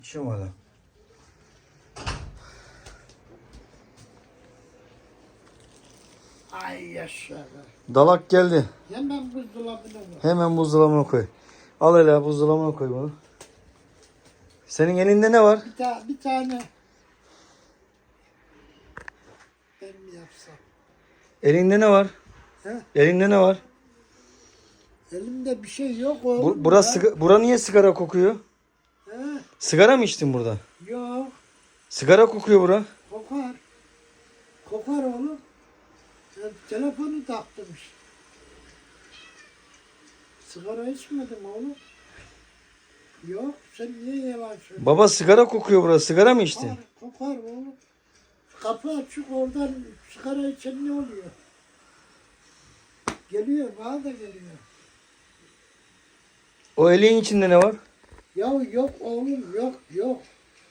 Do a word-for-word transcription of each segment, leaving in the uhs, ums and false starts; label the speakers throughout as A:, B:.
A: İçiyorum hala.
B: Ay yaşa.
A: Dalak geldi.
B: Hemen buzdolabına koy.
A: Hemen buzdolabına koy. Al hele buzdolabına koy bunu. Senin elinde ne var?
B: Bir, ta bir tane. Ben mi yapsam?
A: Elinde ne var?
B: He?
A: Elinde ne var?
B: Elimde bir şey yok oğlum.
A: Bu, burası,
B: ya.
A: siga- bura niye sigara kokuyor?
B: He?
A: Sigara mı içtin burada?
B: Yok.
A: Sigara kokuyor bura.
B: Kokar. Kokar oğlum. Ben telefonu taktım işte. Sigara içmedim oğlum. Yok. Sen niye yalan söylüyorsun?
A: Baba sigara kokuyor burası. Sigara mı içtin?
B: Kokar, kokar oğlum. Kapı açık oradan sigara içen ne oluyor? Geliyor, bana da geliyor.
A: O elin içinde ne var?
B: Ya yok oğlum, yok, yok.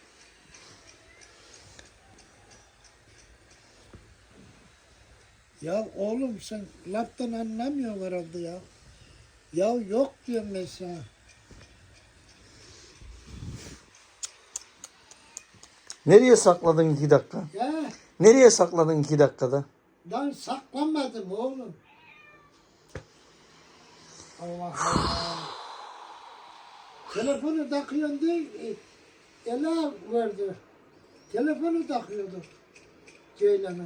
B: Ya oğlum sen laftan anlamıyorsun herhalde ya. Ya yok diyorum ben sana.
A: Nereye sakladın iki dakika?
B: Ya
A: Nereye sakladın iki dakikada?
B: ben saklamadım oğlum. Allah Allah. Telefonu takıyorsun diye e, Ela verdi. Telefonu takıyordu Ceylan'a.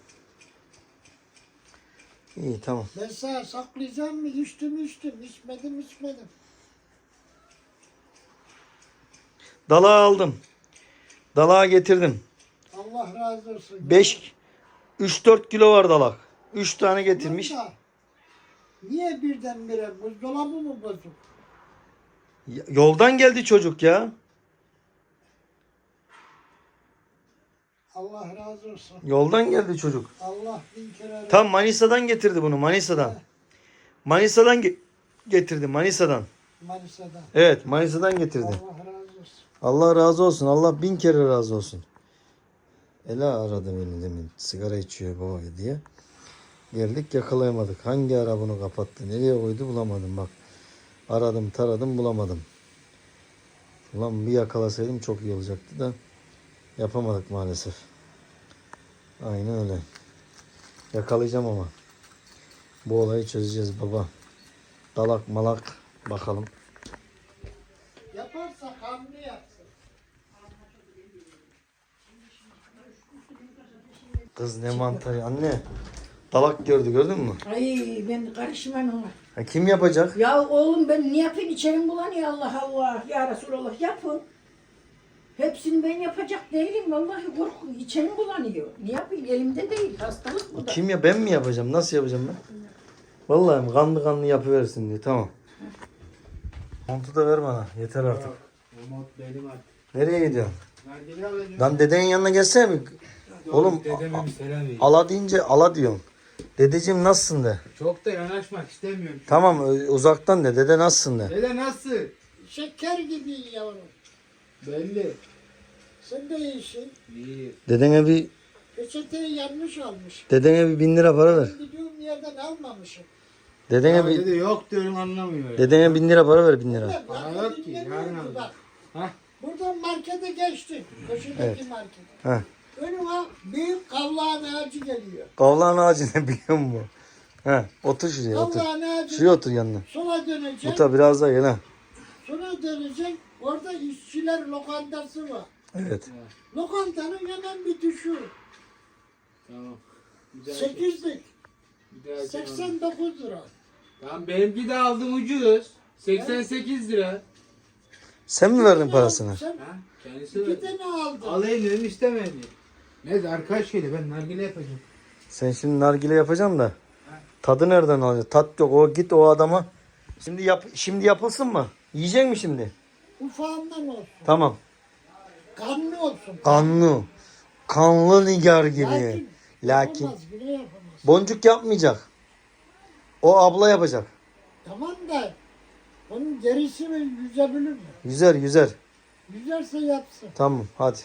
A: İyi tamam.
B: Ben sana saklayacağım mı? İçtim içtim. İçmedim içmedim.
A: Dalağı aldım. Dalağı getirdim.
B: Allah razı olsun.
A: beş üç dört kilo var dalak. üç tane getirmiş.
B: Tamam da, niye birdenbire buzdolabı mı bozuk?
A: Ya- Yoldan geldi çocuk ya.
B: Allah razı olsun.
A: Yoldan geldi çocuk.
B: Allah bin kere
A: Tam Manisa'dan getirdi bunu. Manisa'dan. Manisa'dan ge- getirdi. Manisa'dan.
B: Manisa'da.
A: Evet, Manisa'dan getirdi.
B: Allah razı olsun.
A: Allah razı olsun. Allah bin kere razı olsun. Ela aradı beni demin. Sigara içiyor baba diye. Geldik yakalayamadık. Hangi ara bunu kapattı? Nereye koydu bulamadım bak. Aradım taradım bulamadım. Ulan bir yakalasaydım çok iyi olacaktı da yapamadık maalesef. Aynen öyle. Yakalayacağım ama. Bu olayı çözeceğiz baba. Dalak malak bakalım.
B: Yaparsa kanlı yapsın.
A: Kız ne mantarı anne. Dalak gördü gördün mü?
C: Ay ben karışmam ona.
A: Ha, kim yapacak?
C: Ya oğlum ben ne yapayım içerim bulanıyor Allah Allah. Ya Resulallah yapın. Hepsini ben yapacak değilim. Vallahi korku içerim bulanıyor. Ne yapayım elimde değil. Hastalık bu da.
A: Kim ya ben mi yapacağım? Nasıl yapacağım ben? Vallahi kanlı kanlı yapıversin diye. Tamam. Montu da ver bana. Yeter artık.
D: Umut benim artık.
A: Nereye gidiyorsun?
D: Nargile alacağım.
A: Lan dedenin yanına gelsene mi? Oğlum
D: Dedeme bir selam vereyim.
A: ala deyince ala diyorsun. Dedeciğim nasılsın de.
D: Çok da yanaşmak istemiyorum.
A: Tamam ö- uzaktan de. Dede nasılsın de.
D: Dede nasıl?
B: Şeker gibi yavrum.
D: Belli.
B: Sen de iyisin.
D: İyi.
A: Dedene bir
B: Peçeteyi yanlış almış.
A: dedene bir bin lira para ver.
B: Ben gidiyorum yerden almamışım.
A: Dedene
D: Ya
A: bir
D: dede yok diyorum anlamıyor.
A: dedene bin lira para ver bin lira.
B: Ulan
D: Para
B: bak,
D: yok ki,
B: dinlemiyordu
D: yarın alacağım.
B: bak.
D: Hah.
B: Buradan markete geçtik. Köşedeki
A: Evet.
B: markete.
A: Ha.
B: Önüme büyük kavlağın ağacı geliyor.
A: Kavlağın ağacı ne biliyor musun? Ha, otur şuraya otur.
B: Kavlağın ağacı
A: Şuraya otur yanına.
B: sola dönecek.
A: Bu da biraz daha gel ha.
B: Sola dönecek. Orada işçiler lokantası var.
A: Evet.
B: Lokantanın hemen bir düşü.
D: Tamam. Bir daha çek.
B: sekizlik.
D: Bir daha çek.
B: seksen dokuz lira.
D: Tamam benimki de aldım ucuz. seksen sekiz lira.
A: Sen mi verdin parasını?
B: Sen
D: Ha? Kendisi
B: iki
D: verdi.
B: tane aldın.
D: Alayım dedim istemedi. Neyse arkadaş geliyor ben nargile yapacağım.
A: Sen şimdi nargile yapacaksın da tadı nereden alacaksın? Tat yok. O git o adama. Şimdi yap şimdi yapılsın mı? Yiyecek mi şimdi?
B: Ufağından olsun.
A: Tamam.
B: Kanlı olsun.
A: Kanlı. Kanlı nigar gibi.
B: Lakin,
A: Lakin
B: yapamaz, bile yapamaz.
A: boncuk yapmayacak. O abla yapacak.
B: Tamam da onun derisi mi yüzebilir mi?
A: Yüzer yüzer.
B: Yüzerse yapsın.
A: Tamam hadi.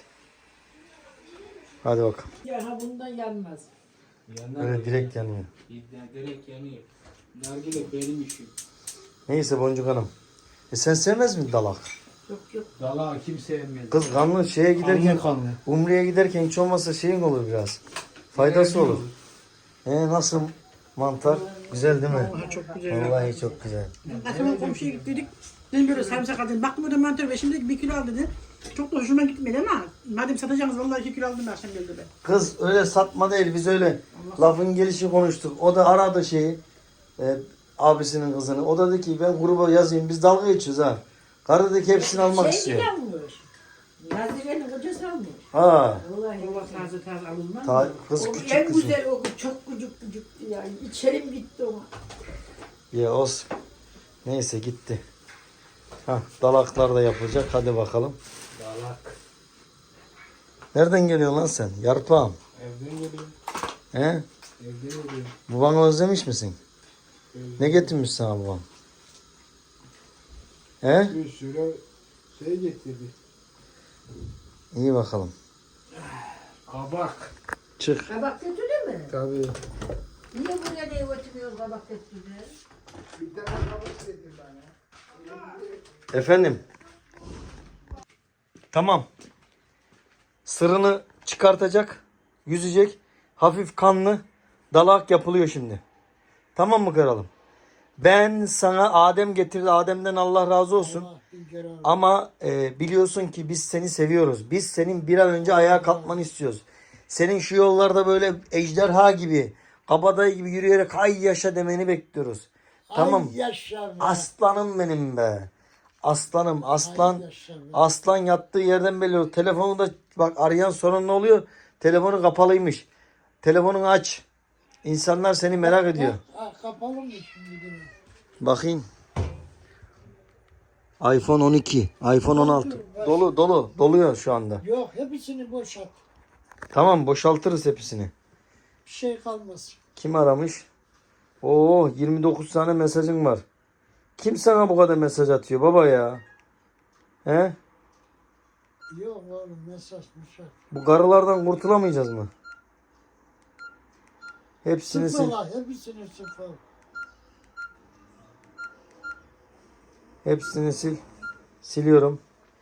A: Hadi bakalım.
C: Ya ha bundan yanmaz.
D: Yandan
A: Öyle direkt yanıyor.
D: Ya, direkt yanıyor. Nargile benim işim.
A: Neyse Boncuk Hanım. E sen sevmez mi dalak?
C: Yok yok.
D: Dalağı kim sevmez?
A: Kız kanlı şeye giderken,
D: Kanlı kanlı.
A: Umre'ye giderken hiç olmazsa şeyin olur biraz. Faydası
D: Evet,
A: olur. E nasıl mantar? Güzel değil mi?
B: Vallahi çok güzel.
A: Vallahi çok güzel.
B: Akşam komşuya gittik. Dedim böyle sarımsak aldım. Baktım orada mantar var. Şimdi bir kilo al dedi. Çok da hoşuma gitmedi ama madem satacaksınız vallahi iki kilo aldım akşam geldi be.
A: Kız öyle satma değil, biz öyle lafın gelişi konuştuk. O da aradı şeyi, e, abisinin kızını. O da dedi ki ben gruba yazayım, biz dalga geçiyoruz ha. Karı dedi ki hepsini almak
C: şey
A: istiyor.
C: almış. Nazire'nin kocası almış.
A: Ha.
C: Vallahi
B: Allah taze taze alınmaz
A: Ta,
B: mı?
A: kız
C: o
A: küçük
C: en
A: kızım.
C: güzel o çok küçük küçüktü ya. İçerim gitti ona.
A: Ya olsun. Neyse gitti. Ha, dalaklar da yapılacak. Hadi bakalım.
D: Dalak.
A: Nereden geliyorsun lan sen? Yarpağım.
D: Evden geliyor.
A: He?
D: Evden geliyor.
A: Babanı özlemiş misin? Ne getirmiş sana baban? He?
D: Bir sürü şey getirdi.
A: İyi bakalım.
D: Kabak.
A: Çık.
C: Kabak götürdü mü?
D: Tabii.
C: Niye buraya niye götürmüyoruz kabak götürdü?
D: Bir tane kabak getir bana.
A: Efendim. Tamam. Sırrını çıkartacak. Yüzecek. Hafif kanlı. Dalak yapılıyor şimdi. Tamam mı kralım? Ben sana Adem getirdi. Adem'den Allah razı olsun.
B: Allah bin kere al.
A: Ama e, biliyorsun ki biz seni seviyoruz. Biz senin bir an önce ayağa kalkmanı istiyoruz. Senin şu yollarda böyle ejderha gibi, kabadayı gibi yürüyerek ay yaşa demeni bekliyoruz. Tamam.
B: Ay yaşa be.
A: Aslanım benim be. Aslanım aslan.
B: Ay yaşa be.
A: Aslan yattığı yerden belli oluyor. Telefonu da bak arayan sorun ne oluyor? Telefonu kapalıymış. Telefonunu aç. İnsanlar seni merak ediyor.
B: Ha, kapalı mı şimdi? Değil mi?
A: Bakayım. iPhone on iki, iPhone on altı. Dolu dolu doluyor şu anda.
B: Yok hepsini boşalt.
A: Tamam boşaltırız hepsini.
B: Bir şey kalmasın.
A: Kim aramış? Oo yirmi dokuz tane mesajın var. Kim sana bu kadar mesaj atıyor baba ya? He?
B: Yok oğlum mesaj mesaj.
A: Bu karılardan kurtulamayacağız mı? Hepsini sil.
B: Sıfırla hepsini sıfır.
A: Hepsini sil. Siliyorum.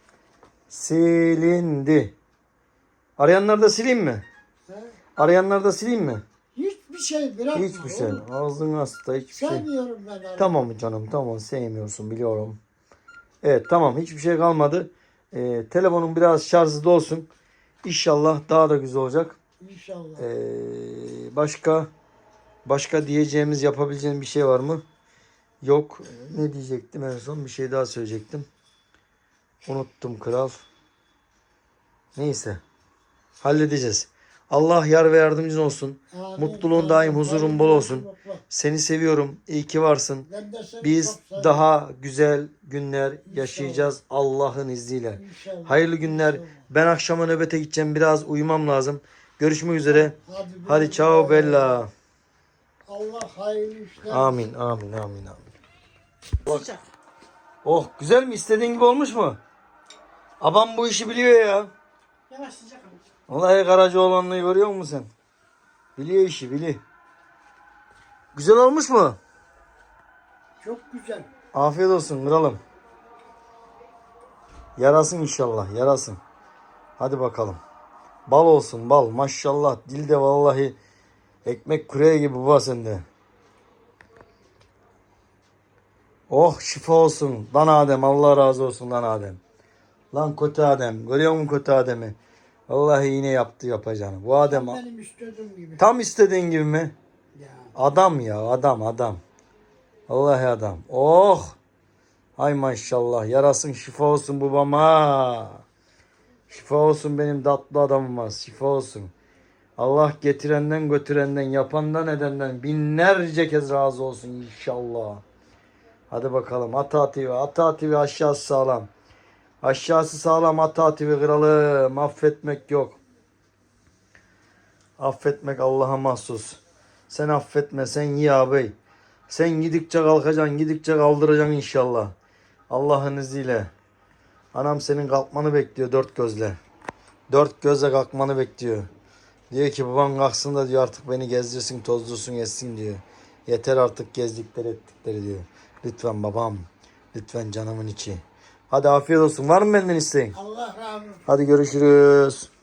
A: Silindi. Arayanları da sileyim mi?
B: He?
A: Arayanları da sileyim mi?
B: Hiçbir şey bırakma.
A: Hiçbir şey.
B: oğlum.
A: Ağzın hasta hiçbir şey.
B: Sevmiyorum ben arabayı.
A: Tamam canım tamam sevmiyorsun biliyorum. Evet tamam hiçbir şey kalmadı. Ee, telefonun biraz şarjı da olsun. İnşallah daha da güzel olacak.
B: İnşallah.
A: Ee, başka başka diyeceğimiz yapabileceğimiz bir şey var mı? Yok. Ne diyecektim en son? Bir şey daha söyleyecektim. Unuttum kral. Neyse. Halledeceğiz. Allah yar ve yardımcın olsun.
B: Amin,
A: Mutluluğun
B: amin.
A: daim, huzurun bol olsun.
B: Mutlulukla.
A: Seni seviyorum. İyi ki varsın.
B: Ben de seni
A: Biz
B: çok seviyorum.
A: daha güzel günler yaşayacağız Allah'ın izniyle.
B: İnşallah.
A: Hayırlı günler.
B: İnşallah.
A: Ben akşama nöbete gideceğim. Biraz uyumam lazım. Görüşmek üzere.
B: Hadi,
A: Hadi
B: güle
A: ciao
B: güle.
A: bella.
B: Allah hayırlı işler.
A: Amin amin amin amin.
B: Sıcak.
A: Oh güzel mi? İstediğin gibi olmuş mu? Abam bu işi biliyor ya.
B: Yavaş sıcak ama.
A: Vallahi Karacaoğlan'ı görüyor musun sen? Biliyor işi biliyor. Güzel olmuş mu?
B: Çok güzel.
A: Afiyet olsun kralım. Yarasın inşallah yarasın. Hadi bakalım. Bal olsun bal maşallah. Dilde vallahi ekmek kureye gibi baba sende. Oh şifa olsun. Lan Adem Allah razı olsun lan Adem. Lan kötü Adem. Görüyor musun kötü Adem'i? Vallahi yine yaptı yapacağını. Bu Adem
B: Benim istediğim gibi.
A: tam istediğin gibi mi?
B: Ya.
A: Adam ya adam adam. Vallahi adam. Oh. Ay maşallah. Yarasın şifa olsun babama. Şifa olsun benim tatlı adamıma. Şifa olsun. Allah getirenden götürenden yapandan edenden binlerce kez razı olsun inşallah. Hadi bakalım. Ata T V. Ata T V aşağısı sağlam. Aşağısı sağlam Ata T V kralım. Affetmek yok. Affetmek Allah'a mahsus. Sen affetme sen iyi ağabey. Sen gidikçe kalkacaksın gidikçe kaldıracaksın inşallah. Allah'ın izniyle. Anam senin kalkmanı bekliyor dört gözle. Dört gözle kalkmanı bekliyor. Diyor ki baban kalksın da diyor artık beni gezdirsin tozdursun etsin diyor. Yeter artık gezdikleri ettikleri diyor. Lütfen babam. Lütfen canımın içi. Hadi afiyet olsun. Var mı benden isteğin?
B: Allah razı olsun.
A: Hadi görüşürüz.